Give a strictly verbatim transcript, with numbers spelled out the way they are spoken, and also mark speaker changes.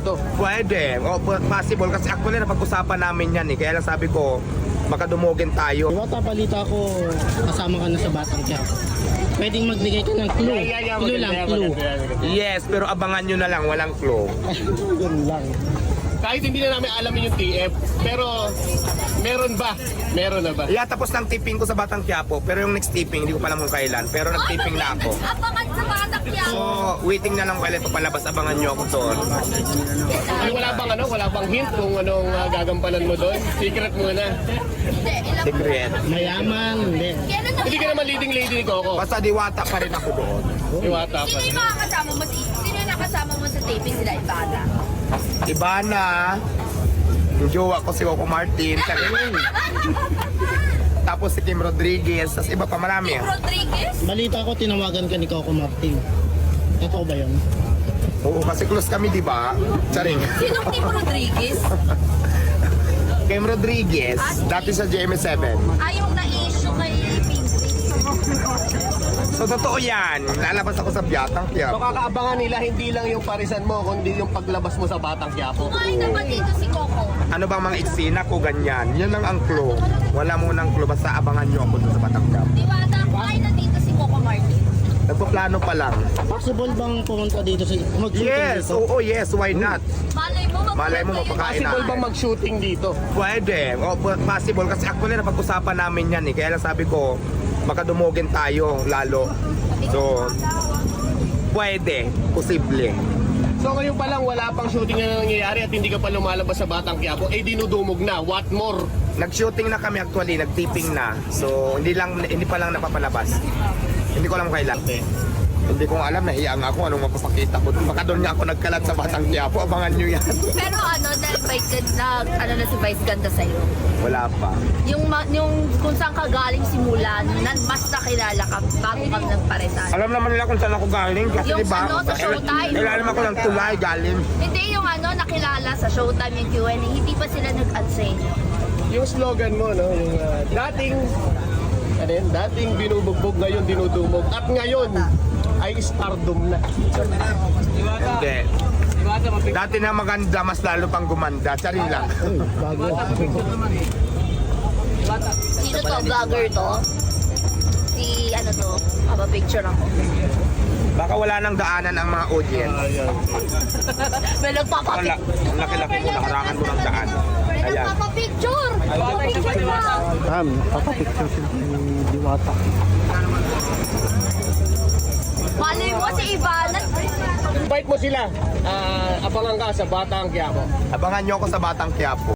Speaker 1: dito.
Speaker 2: Pwede. O, possible. Kasi actually napag-usapan namin yan eh. Kaya lang sabi ko, makadumugin tayo.
Speaker 3: Diwata, balita ko, kasama ka na sa Batang Quiapo. Pwedeng magbigay ka ng clue.
Speaker 1: Yeah, yeah,
Speaker 3: Clue
Speaker 1: maganda,
Speaker 3: lang,
Speaker 1: yeah,
Speaker 3: clue.
Speaker 1: maganda, yeah, maganda.
Speaker 2: Yes, pero abangan nyo na lang. Walang clue.
Speaker 3: Yun lang.
Speaker 1: Kahit hindi na namin alamin yung T F, pero meron ba? Meron na ba?
Speaker 2: Yeah, tapos ng tipping ko sa Batang Quiapo. Pero yung next tipping, hindi ko pa alam kung kailan. Pero nag-tipping na ako.
Speaker 4: Abangan sa Batang Quiapo.
Speaker 2: So, waiting na lang kailan ito palabas. Abangan nyo ako doon.
Speaker 1: Ay, wala bang ano, wala bang hint kung anong uh, gagampanan mo doon? Secret muna.
Speaker 4: Hindi, ilang
Speaker 2: Secret.
Speaker 3: Mayaman, hindi.
Speaker 4: Kailan na
Speaker 1: Hindi ka naman leading lady ni Coco.
Speaker 2: Basta diwata pa rin ako doon.
Speaker 1: Iwata pa.
Speaker 4: Sino yung mga kasama mo? Sino yung nakasama mo sa taping sila Ibada?
Speaker 2: Iba na. Yung jowa ko si Coco Martin. Tapos si Kim Rodriguez. Tapos iba pa marami.
Speaker 4: Kim Rodriguez?
Speaker 3: Balita ko, tinawagan ka ni Coco Martin. Totoo ba yun?
Speaker 2: Oo, kasi close kami, di ba? Charing.
Speaker 4: Sinong Kim Rodriguez?
Speaker 2: Kim Rodriguez, dati sa G M S seven.
Speaker 4: Ay, yung na-issue kay Pinkry.
Speaker 2: So, totoo yan. Lalabas ako sa Batang
Speaker 1: So
Speaker 2: Quiapo.
Speaker 1: kakaabangan nila hindi lang yung parisan mo, kundi yung paglabas mo sa Batang Quiapo.
Speaker 4: Kumain na ba dito si Coco?
Speaker 2: Ano bang mga eksena ko ganyan? Yan lang ang clue. Wala munang clue. Basta abangan nyo ako dun sa Batang Quiapo.
Speaker 4: Diwata, kumain na dito si Coco Martin.
Speaker 2: Nagpaplano pa lang.
Speaker 3: Possible bang pumunta dito sa mag-shooting
Speaker 2: Yes,
Speaker 3: dito?
Speaker 2: oo, yes. Why not?
Speaker 4: Malay mo,
Speaker 2: Malay mo, mapakain
Speaker 1: Possible
Speaker 2: natin.
Speaker 1: bang mag-shooting dito?
Speaker 2: Pwede. O, possible. Kasi actually napag-usapan namin yan eh. Kaya lang sabi ko, makadumugin tayo lalo. So, pwede. Posible.
Speaker 1: So ngayon pa lang wala pang shooting na nangyayari at hindi ka pa lumalabas sa Batang Quiapo, eh dinudumog na. What more?
Speaker 2: Nag-shooting na kami actually, nag-tipping na. So, hindi lang hindi pa lang napapalabas. Hindi ko alam kailan. Hindi ko alam, nahiya nga ako anong mapapakita ko. Baka doon nga ako nagkalat sa Batang Quiapo. Abangan nyo yan.
Speaker 4: Pero ano, na-invite ka na, ano na si Vice ganda sa'yo.
Speaker 2: Wala pa.
Speaker 4: Yung, ma- yung kung saan ka galing simulan, na mas nakilala ka bago kang nagparesan.
Speaker 2: Alam naman nila kung saan ako galing. Kasi
Speaker 4: Yung
Speaker 2: diba,
Speaker 4: ano, sa Showtime.
Speaker 2: Alam ako ng tulay galing.
Speaker 4: Hindi yung ano, nakilala sa Showtime yung Q and A, hindi pa sila nag-add sa inyo.
Speaker 1: Yung slogan mo, no, yung uh, dating ano yun, dating binubugbog, ngayon dinudumog. At ngayon ay stardom na.
Speaker 2: Hindi. Dati na maganda, mas lalo pang gumanda. Charing lang.
Speaker 3: Uy, bago.
Speaker 4: Sino to? Vlogger to? Si ano to? Papa-picture ako.
Speaker 2: Baka wala nang daanan ang mga audience.
Speaker 1: Ayan.
Speaker 4: May
Speaker 2: Wala.
Speaker 4: nagpapapicture.
Speaker 2: Ang laki-laki ko, nakarangan mo ng daan.
Speaker 4: May
Speaker 2: Ayan.
Speaker 4: nagpapapicture. Picture lang.
Speaker 3: Ma'am, papapicture si Diwata.
Speaker 4: Malay mo si Ivana.
Speaker 1: Invite mo sila. Ah, abangan ka sa Batang Quiapo.
Speaker 2: Abangan nyo ako sa Batang Quiapo.